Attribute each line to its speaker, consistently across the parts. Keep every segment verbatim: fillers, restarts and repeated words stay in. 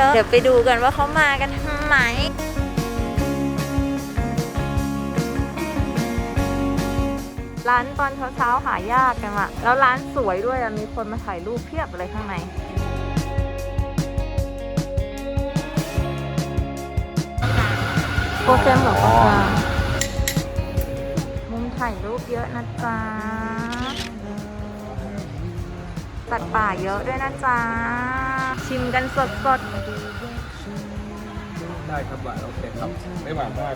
Speaker 1: เดี๋ยวไปดูกันว่าเขามากันทำไมร้านตอนเช้าๆหายากกันอะแล้วร้านสวยด้วยอะมีคนมาถ่ายรูปเพียบเลยข้างในโปรแกรมของเขามุมถ่ายรูปเยอะนะจ๊ะสัตว์ป่าเยอะด้วยนะจ๊ะชิมกันสดๆ
Speaker 2: ได้ครับหวานโอเคครับไม่หวานมาก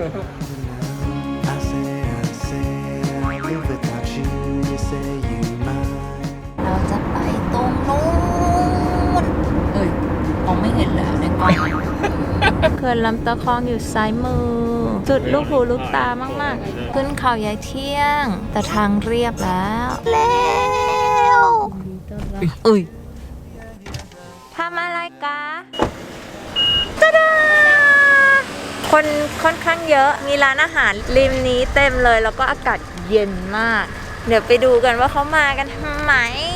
Speaker 1: เราจะไปตรงนู้นเฮ้ยมองไม่เห็นแล้วในกล้องเขื่อนลำตะคองอยู่ซ้ายมือจุดลูกหูลูกตามากๆขึ้นเขายายเที่ยงแต่ทางเรียบแล้วแล้วอุ้ยทำอะไรกะตะดาคนค่อนข้างเยอะมีร้านอาหารริมนี้เต็มเลยแล้วก็อากาศเย็นมากเดี๋ยวไปดูกันว่าเขามากันทำไม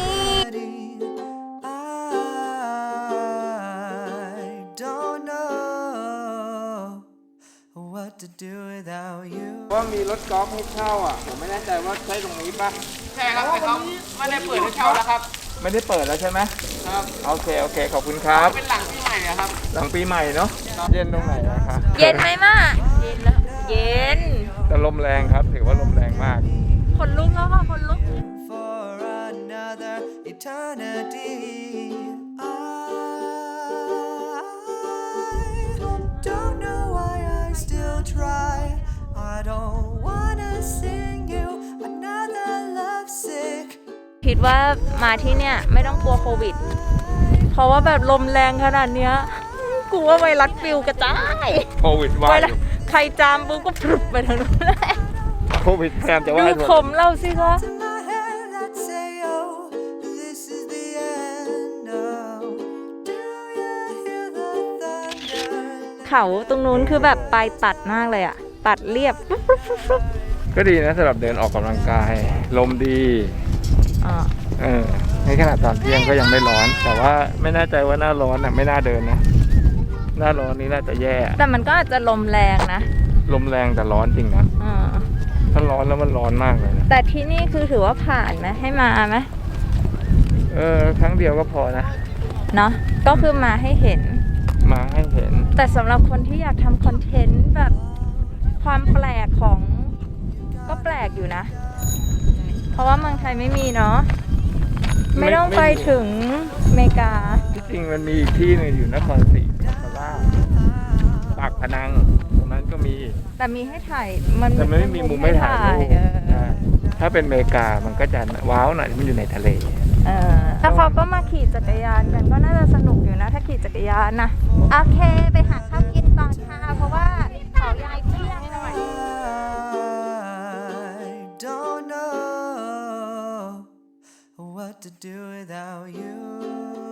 Speaker 2: ว่ามีรถกอล์ฟให้เช่าอ่ะผมไม่แน่ใจว่าใช่ตรงนี้ปะ
Speaker 3: ใช่ครับแต่เขาไม่ได้เปิดให้เช่าแล้วครับ
Speaker 2: ไม่ได้เปิดแล้วใช่ไหม
Speaker 3: ครับ
Speaker 2: โอเคโอเคขอบคุณครับ
Speaker 3: เป็นหลังปีใหม่นะครับ
Speaker 2: หลังปีใหม่เนาะเย็นตรงไหนนะคะ
Speaker 1: เย็นไหมมาเย็นแล้วเย็น
Speaker 2: แต่ลมแรงครับถือว่าลมแรงมาก
Speaker 1: คนลุกแล้วค่ะคนลุกคิดว่ามาที่เนี่ยไม่ต้องกลัวโควิดเพราะว่าแบบลมแรงขนาดเนี้ยกลัวไวรัสปิวกระจาย
Speaker 2: โควิดว่าย
Speaker 1: ใครจามปุ๊บก็พรุบไปทางนู้นเลย
Speaker 2: โควิดแพร่จะว่า
Speaker 1: ดูผมเราสิคะเขาตรงนู้นคือแบบปลายตัดมากเลยอะตัดเรียบ
Speaker 2: ก็ดีนะสำหรับเดินออกกำลังกายลมดี
Speaker 1: อ่า
Speaker 2: เออในขณะตอนเที่ยงก็ยังไม่ร้อนแต่ว่าไม่แน่ใจว่าหน้าร้อนน่ะไม่น่าเดินนะหน้าร้อนนี้น่าจะแย่
Speaker 1: แต่มันก็อาจจะลมแรงนะ
Speaker 2: ลมแรงแต่ร้อนจริงนะ
Speaker 1: อ่า
Speaker 2: ถ้าร้อนแล้วมันร้อนมากเลยนะ
Speaker 1: แต่ที่นี่คือถือว่าผ่านไหมให้มาไหม
Speaker 2: เออครั้งเดียวก็พอนะ
Speaker 1: เนาะก็คือมาให้เห็น
Speaker 2: มาให้เห็น
Speaker 1: แต่สำหรับคนที่อยากทำคอนเทนต์แบบความแปลกของก็แปลกอยู่นะเพราะว่าเมืองไทยไม่มีเนาะไม่ต้องไปถึงอเมริกา
Speaker 2: ที่จริงมันมีอีกที่นึงอยู่นครศรีธรรมราชปากพนังตรงนั้นก็มี
Speaker 1: แต่มีให้ถ่ายมัน
Speaker 2: แต่ไม่มีมุมไม่ถ่ายถ้าเป็นอเมริกามันก็จะว้าวหน่อยมันอยู่ในทะเล
Speaker 1: เออถ้าเขาก็มาขี่จักรยานกันก็น่าจะสนุกอยู่นะถ้าขี่จักรยานนะโอเคไปหาข้าวกินก่อนค่ะเพราะว่าเขายายเที่ยงหน่อย
Speaker 4: What to do without you